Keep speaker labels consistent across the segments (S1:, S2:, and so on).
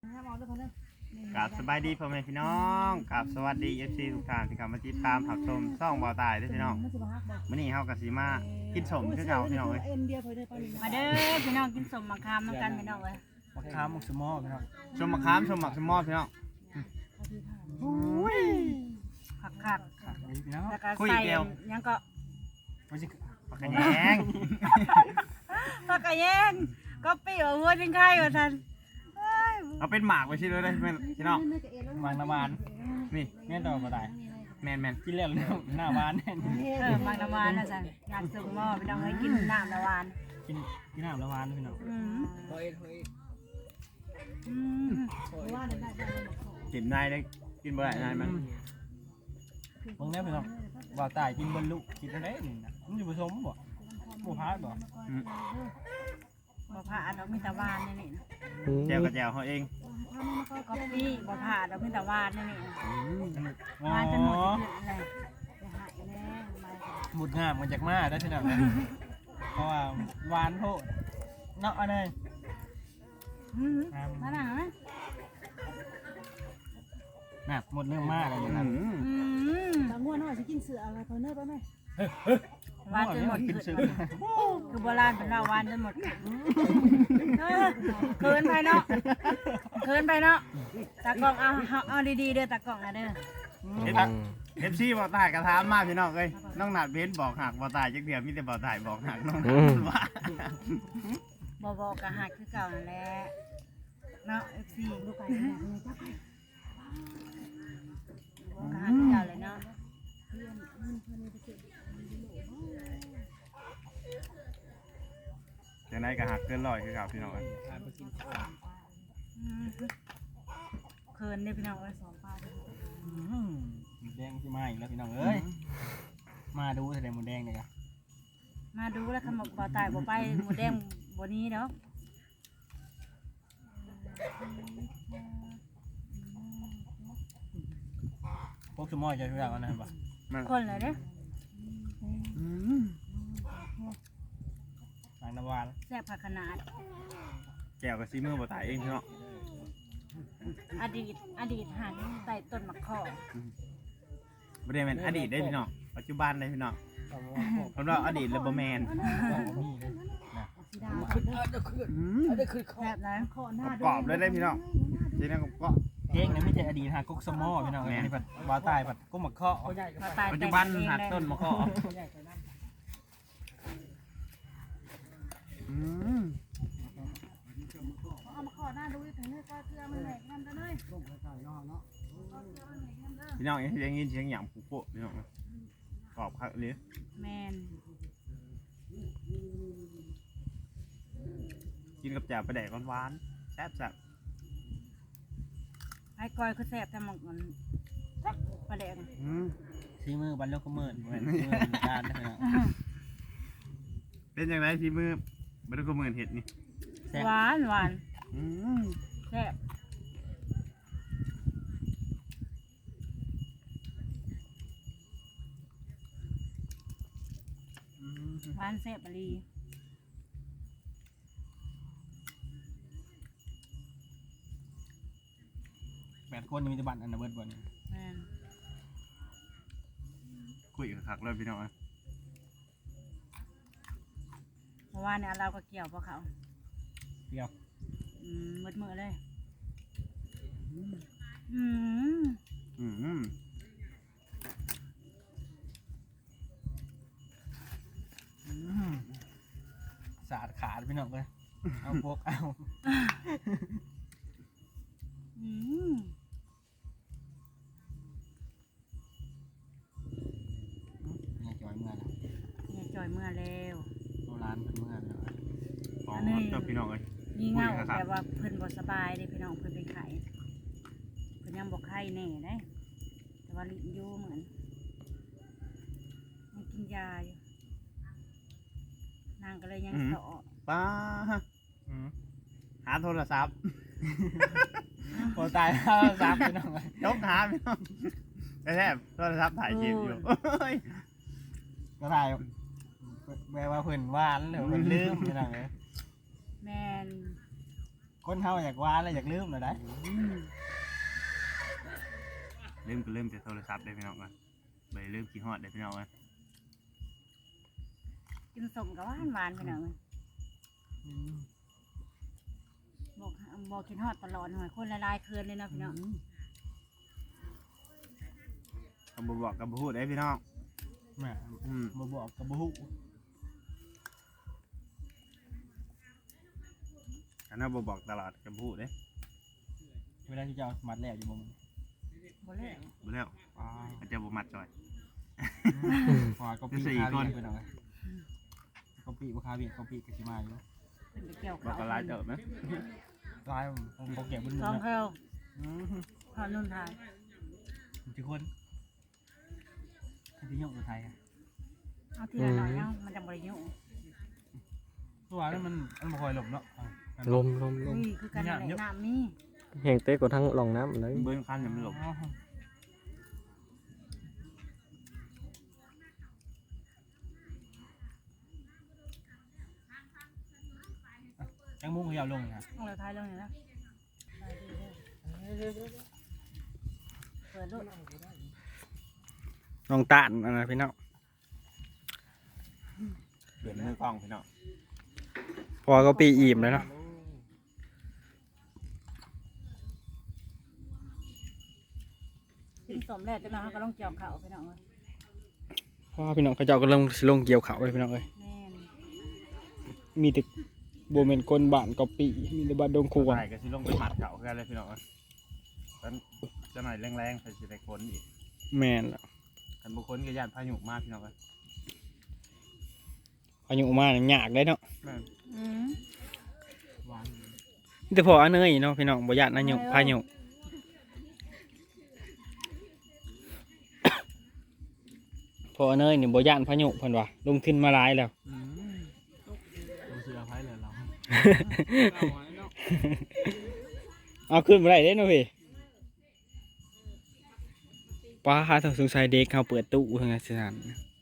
S1: กับสบายดีพ่อแม่พี่น้องกับสวัสดี FC ทุกท่านที่เข้ามาติดตามผักชมซ่องบ่าวตายด้วยพี่น้องมื้อนี้เฮาก็สิมากินสมคือเก่าพี่น้องเอ้ย
S2: มาเด้อพี่น้องกินสมมะขามน้ำกันพี่น้องเอ้ย
S3: มะขามมุกสมอพี่น้อง
S1: ชมมะขามชมหมักชมมอดพี่น้องโอ้ย
S2: ผัก
S3: พี่น้อง
S2: แล้วก็
S1: คุย
S2: ใส่
S1: เดียว
S2: ยังก็
S3: ไม่ใช่
S1: ปากกะแยง
S2: ผักกระแยงก็ปี้ว่าหัวจิงไข่ว่าท่าน
S1: เอาเป็นหมากไว้ชิเลยได้พี่น้อง
S3: วางน้ำหวาน
S1: นี่
S3: แม่นดอกกระต่าย
S1: แมน
S3: กินแล้วเรื่องหน้าหวานแน่น
S2: บางน้ำหวานนะท่านอยากส่งหม้อพี่น้องให้กินน้ำน้ำหวาน
S3: กินน้ำละหวานพี่น้อง
S2: อืม
S1: กินได้ได้กินบ่ได้นายมัน
S3: เบิ่งแน่พี่น้องบ่าวตายกินบรรลุกินอะไรนี่นะมันอยู่ผสมบ่บ่พาดบ่
S2: บ่ผ่าดอกมีแต่หวานนี่นี่นะ
S1: แจวกับแจวเขาเอง
S2: ก็ปี้บ่ผ่าดอกมีแต่หวานนี่นี่นะ
S3: อ๋
S2: ห
S3: อ
S2: วานจนหมดเลย
S3: หมุดงามมาจากมาได้พี่น้องเพราะว่าหวานโพดเนาะอันนี้
S2: มาหนังนะ
S3: น่ะหมดเรื่องมากเลยนะครับ
S4: บางงวดน้อยสิกินเสืออะไรพอเนอร์ไปไหม
S2: หวานจนหมด
S3: กิน
S2: เกิ
S3: ซื้อ
S2: ดคือโบราณเป็นเราหวานจนหมดเกินไปเนาะเกินไปเนาะตากล้องเอาดีๆเด้อตากล้องนะเด้อ
S1: เอฟซีบ่าวตายกระทามมากพี่น้องเอ้ยน้องหนาดเบนบอกหักบ่าวตายจักเดียวมีแต่บ่าวตายบอกหักน้องหนาดว่า
S2: บอกกะหักคือเก่านั่นแหละเนาะ FC ลูกไปเนี่ยจับไปบอกกะหักคือเก่าเลยเนาะ
S1: จังไดก็หักเกินร้อยคือเก่าพี่น้องเอ้ย
S2: เคินได้พี่น้องเอ้ย
S3: หมูแดงที่มาอีกแล้วพี่น้องเอ้ยมาดูแสดงหมูแดงเลยครับ
S2: มาดูแล้วคำบอกบ่ตายบ่ไปหมูแดงบ่นี้เนาะ
S3: พวกสมอจะรู้จักกันนะบ่
S2: คนเลยเด้อ
S3: หลังน้ำหวาน
S2: แซ่บผักขนาด
S1: แจวกับซีมือบ่าวตายเองพี่น้อง
S2: อดีตหันใต้ต้นมะข้อ
S1: บ่ได้แม่นอดีตได้พี่น้องปัจจุบันได้พี่น้องเพราะว่าอดีตแล้วบ่แม่น
S4: สีดา
S2: แซ่บนะ
S4: ขอหน้าก
S1: รอบเลยได้พี่น้องทีนั้นก็
S3: เพลงนั้นไม่ใช่อดีตหากกสมอพี่น้องอันนี้ผัดบ่าวตายผัดกุ้งหมักข้อ
S2: บ่ตาย
S1: ปัจ
S2: แต่
S1: จุ
S2: ง
S1: บัน
S2: เอง
S1: หัก
S2: เลย
S1: ต้นมะกอก
S4: เอามาขอหน้าดูอีกเนอร์ก็เพื่อมันแหลกนั่นกันเลย
S1: พี่น้องยังยินเสียงหยางปุ๊บพี่น้องกรอบคักเลย
S2: แมน
S1: กินกับแจ่วปลาแดกหวานๆแซ่บ
S2: ไอ้กอยคือแซ่บแต่หมกมันปลาแดง
S1: ๆ
S3: ซีมือบันโลกเมินเหมือนซีมือการนะพี่น้อง
S1: เป็นยังไงที่มือบรรทุกมือเห็ดนี่
S2: หวาน
S1: อืม
S2: แซ่บ หวานแซ่บอลี
S3: 8 คนมีแต่บัตรอันนั้นเบิดบ่นี่
S2: แม่น
S1: คุยกับคักเลยพี่น้อง
S2: เพราะว่าเนี่ยเราก็เกี่ยวพวกเขา
S3: เดียว
S2: มืดๆเลย
S1: อืม
S3: สาดขาดพี่น้องเลยเอาพวกเอา เนี่ยจอยเมื่อนะ
S2: เนี่ยจอยเมื่อแล้ว
S3: โบราณเป็นเมื่อเลย
S1: อ๋อเจ้าพี่น้องเลย
S2: นี่เงาแบบว่าเพิ่นบ่สบายเด้พี่น้องเพิ่นเป็นไข้เพิ่นยังบ่ไข้แน่เด้แต่ว่าลิ้นอยู่เหมือนยังกินยาอยู่นางก็เลยยังเสาะ
S1: ป้าหาโทรศัพท์
S3: โอ้ตายแล้วซับพี่น้องเลย
S1: ยกหาพี่น้องแท้โทรศัพท์ถ่ายคลิปอยู่
S3: ก็ถ่ายแปลว่าเพิ่นหวานหรือเพิ่นลืมพี่น้องเลย
S2: แมน
S3: คนเฮาอยากว่าแล้วอยากลืมเลยได้
S1: ลืมก็ลืมแต่โทรศัพท์ได้พี่น้องกันไปลืมกินฮอดได้พี่น้องกัน
S2: กินสมกับหวานพี่น้องบอกกินฮอดตลอดหน่อยคนละลายคืนเลยนะพี่น้อง
S1: คำบอกกับพูดได้พี่น้อง
S3: แม่บ่บอกกับบ่ฮู้
S1: อันนั้นบอกตลอดกับพูดเด้
S3: เวลาที่จะเอามัดแล้วอยู่บ่มึง
S2: บ่เลย
S1: บ่แล้วอาจจะบ่มัดจ่อย
S3: พอก็ปีคาเวียไปหน่อยก็ปีบ่คาเวียก็ปีก็สิมาอยู่
S2: เป็นไปเกี่ยว
S1: บอก
S2: เขา
S1: ก็ลายเติบนะ
S3: ลายผมก็เก็บบึ้น
S2: สอง
S3: นะ
S2: แถวขอนุ่นทาย
S3: ทุกคนที่ยกอุทัยอ่ะ
S2: เอาทีละหน่อยเนาะมันจะบริยุ
S3: ตัวนั้นมันบ่ค่อยหลบเนาะ
S5: ลม
S2: อุ้ยคือการไหนน้ำนี่
S5: แห้งเต้กว่าทั้งหลองน้ำเลย
S1: เบิ้ลคันเนี่ยมันหลบ
S3: จังมุ้งเขายาวลงนะ
S2: ต้องเลยทายเรื่องนี้นะเปิดลูก
S5: น้องตาลนะพี่น้อง
S1: เปลี่ยนมือกล้องพี่น้อง
S5: พอก็ปีอิ่มแล้วเนาะ
S2: กินสมแล้วจังนะเขาก็ต้องเกี่ยวเขาไปหน่อย
S5: เพราะว่าพี่น้องเขาเจ้าก็ลงเกี่ยวเขาเลยพี่น้องเอ้ย
S2: แม่น
S5: มีแต่โบเมนก้นบ้านก็ปีมีแต่บ้านดงคูว
S1: ใส่ก็สิลงไปหมัดเขากันเลยพี่น้องแล้วจะหน่อยแรงๆใส่สิได้คนอีก
S5: แม่นละ
S1: กันบุคคลก็ญาติพายุมากพี่น้องกัน
S5: อายุมาเนี่ยยากได้เนาะ
S2: อืม
S3: หวาน
S5: มีแต่พออันเนยเนาะพี่น้องบ่ญาติอายุพายุพออันเนยนี่บ่ญาติพายุเพิ่นว่าลงทุนมาหลายแล้ว
S3: ดูเสือไผ่เลยเรา
S5: เอาขึ้นมาได้เด้เนาะพี่ป้าหาทางสงสัยเด็กเขาเปิดตู้ทางสถาน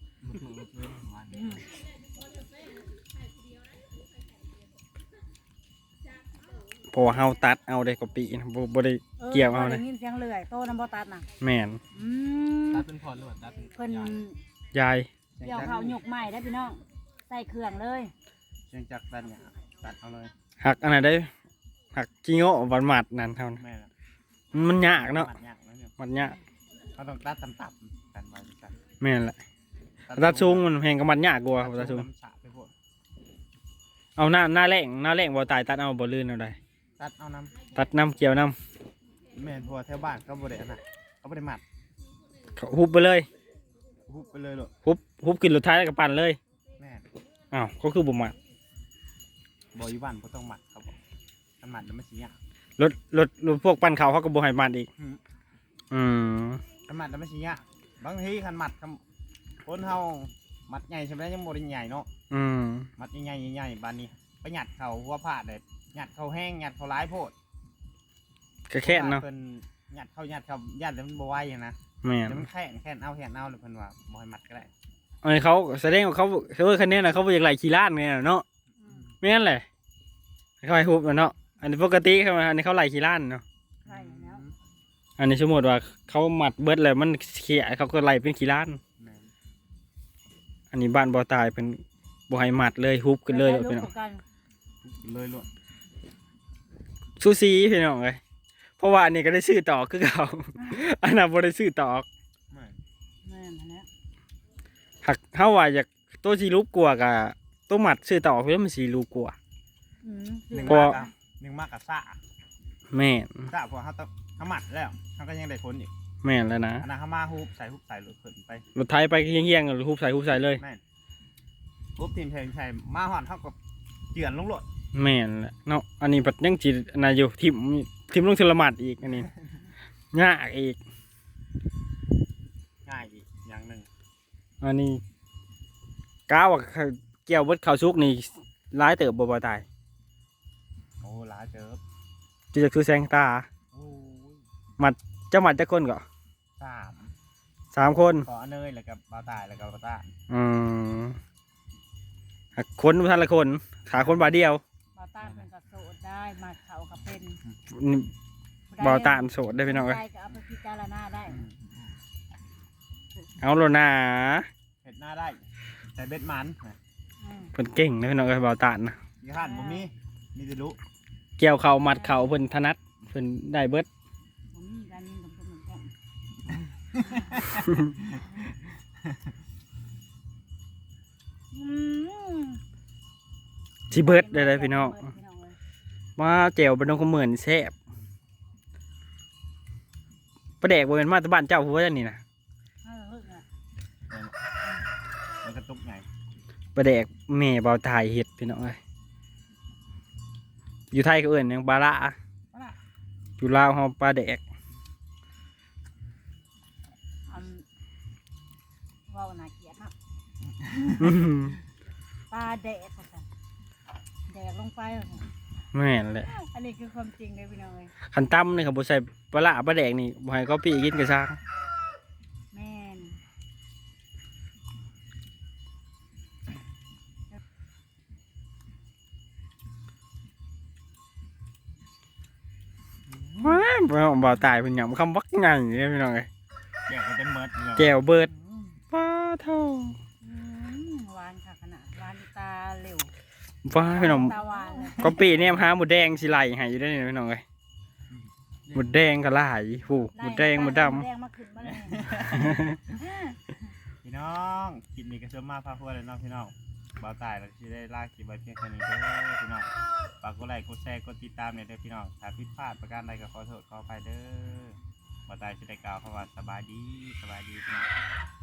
S5: เพราะว่าเฮาตัดเอาได้กว่าปีนะบ่ได้ เกี่ยวเอานะ
S2: ได้ยินเสียงเลื่อยโตน้ำบ่ตัดน่ะ
S5: แม่น
S2: อืม
S3: ตัดเป็นพอดหรือว่าตัดเป็น
S2: เพิ่น
S5: ยาย
S2: เกี่ยวเขาหยกใหม่ได้พี่น้องใส่เครื่องเลย
S1: เชียงจักรตัดเนี่ยตัดเอาเลย
S5: หักอันนั้นได้หักจิโง่วันหมัดนั่นเท่านั้น
S1: แม่ละ
S5: มันยากเนาะ
S1: มัดยากนะเนี่ย
S5: มันยาก
S1: เขาต้องตัดต่ำๆกันไว้กัน
S5: แม่นแหละตัดสูงมันแพงกับมันยากกว่าตัดสูง
S1: น้ำฉะไปพวก
S5: เอาหน้าแรงบ่ตายตัดเอาบ่ลื่นเอาได้
S1: ตัดเอาน้
S5: ตัดน้ำเกี่ยวน้
S1: ำแม่นพัวแถวบ้านเขาบริเวณน่ะเขาบริมัด
S5: ำเขาฮุบไปเลย
S1: หุบไปเลยหรอก
S5: ฮุบขึ้นรถท้ายแล้วก็ปั่นเลย
S1: แม่น
S5: อ้าวก็คือบ่มัด
S1: บอยู่บ้านเขาต้องหมัดเขาบอกถ้าหมัดแล้วไม่เสีย
S5: รถพวกปั่นเขาเขาก็บ่ให้มัดอีก อืม
S1: ถ้าหมัดแล้วไม่เสียบางทีคันหมัดคนเฮาหมัดใหญ่ใช่ไหมยังบริใหญ่เนาะ
S5: อืม
S1: หมัดใหญ่ใหญ่ๆบ้านนี้ไปหยัดเขาหัวผ้าเด็ดหยัดเขาแห้งหยัดเขาร้ายโพด
S5: ก็แค่นเนาะ
S1: เพิ่นหยัดเขาหยัดแล้วมันบ่ไหวอะนะ
S5: แม่น
S1: เดี๋ยวมันแค่นเอาเลยเพิ่นว่าบ่ให้หมัดก็ได้
S5: อันนี้เขาแสดงว่าเขาคันนี้น่ะเขาบ่อยากไหลขี้ล้านเนี่ยเนาะแม่นแหละเขาให้ฮุบเนาะอันนี้ปกติเขาอันนี้เขาไหลขี้ล้านเนาะ
S2: ใช่แล้ว
S5: อันนี้สมมติว่าเขาหมัดเบิดเลยมันเขี่ยเขาก็ไล่เป็นขี้ล้าน
S1: แม่น
S5: อันนี้บ้านบ่อตายเป็นบ่ให้หมัดเลยฮุบกันเลย
S2: แล้ว
S5: พี่
S2: ลู
S5: น้อก ง
S2: กัน
S1: เลยล้วน
S5: ซูซีพี่น้องเลยเพราะว่าอันนี้ก็ได้ซื้อต่อคือเขา อันนั้นบ่ได้ซื้อต่อ
S1: แม่น
S2: แม่นหั่นแหละ
S5: หักเฮาว่าอยากตัวสีรูปกลัวกับตัวหมัดซื้อต่อเพื่อมันสีรูปกลัว
S2: อืม
S1: หนึ่ง
S5: พอ
S1: มากกับซ่า
S5: แม่น
S1: ซ่าพอเขาต้องเขาหมัดแล้วเขาก็ยังได้คนอีก
S5: แม่นแล้วนะ
S1: อันนั้นเขามาฮุบใส่หลุดขึ้นไป
S5: รถไถไปเฮี้ยงๆหรือฮุบใส่เลย
S1: แม่นฮุบทีมใส่มาหอดเท่ากับเจือนลงโหลด
S5: แม่นแหละเนาะอันนี้ปัดยังจีอันนั้นอยู่ทิมลงทรมานอีกอันนี้ ยากอีก
S1: ง่ายอีกอย่างหนึ่ง
S5: อันนี้ก้าวว่าเกี่ยวเบิดข้าวสุกนี่ร้ายเติบบ่ตาย
S1: โอ้หลายเจอ
S5: จะจักซื้อแสงตา
S1: โอ้ย
S5: เจ้าหมัดจักคนก็
S1: 3
S5: 3 คน
S1: ขอเนยแล้วกับบาวตายแล้วกับบาวตา
S5: หักคนท่านละคนขาคนบาทเดียว
S2: บ่าวตาเพิ่นก็โสดไได้มาเขาก็เป็น
S5: นี่บ่ตานโสดได้พี่น้องเอ้ย
S2: ได้ก็เอาไปพิจารณาได้
S5: เอาโลนา
S1: เห็ดหน้าได้ใส่เบ็ดมัน
S5: เพิ่นเก่งนะพี่น้องเอ้ยบ่ตานนะ
S1: ยี่ห้านบ่มีแต่รู้
S5: เกี่ยวเข่ามัดเข่าเพิ่นถนัดเพิ่นได้เบิด
S2: ผมมีการยิงกับเหมือนกันอืม
S5: สิเบิดได้เลยพี่น้อง
S2: เบิดพี่น้องเลย
S5: มาแจ่วบ่น้องขมื้อนี่แซ่บปลาแดกบ่แม่นมาแต่บ้านเจ้าผู้ว่าจังนี่นะ
S2: เอาเถอะ
S1: มันกระตุกไง
S5: ปลาแดกแม่บ่าวตายเฮ็ดพี่น้องเอ้ยอยู่ไทยก็เอิ้นหยังปลาละอยู่ลาวเฮาปลาแดก
S2: ว่าวน่าเกลียดมาก
S5: อื้อหือ
S2: ปลาแดกว่าซั่นแดกลงไปว่าซั่น
S5: แม่นแหละ
S2: อันนี้คือความจริงเลยพี่น้องเลย
S5: คันตำนี่เขาบ่ใส่ปลาละปลาแดกนี่บ่ให้เขาปี้กินก็ซ่าง
S2: แม่น
S5: ว้าวบ่าวตายเพิ่นหยังคำวักใหญ่เด้พี่น้องเอ้ย
S1: แกะก็เต็มเมิดเลย
S5: แจ่วเบิด
S2: อืม
S5: ปลาเท่า
S2: หวานค่ะขนาดหวานตาเหลว
S5: ว้าพี่น้อง
S2: ตาหวานเลย
S5: ก็ปีเนี่ยหาหมูแดงสิไหลให้อยู่ได้นี่พี่น้องเอ้ยหมูแดงก็หลายผู้หมูแดงหมูดำ
S2: แดงมาขึ้นมาเลย
S1: พี่น้องคลิปนี้ก็เชื่อมาพาพัวเลยเนาะพี่น้องบ่าวตายแล้วที่ได้ลากคลิปไว้เพียงแค่นี้เด้อพี่น้องฝากกดไลค์กดแชร์กดติดตามเนี่ยเด้อพี่น้องถ้าผิดพลาดประการใดก็ขอโทษขออภัยเด้อบ่าวตายสิได้กล่าวคำว่าสบายดีพี่น้อง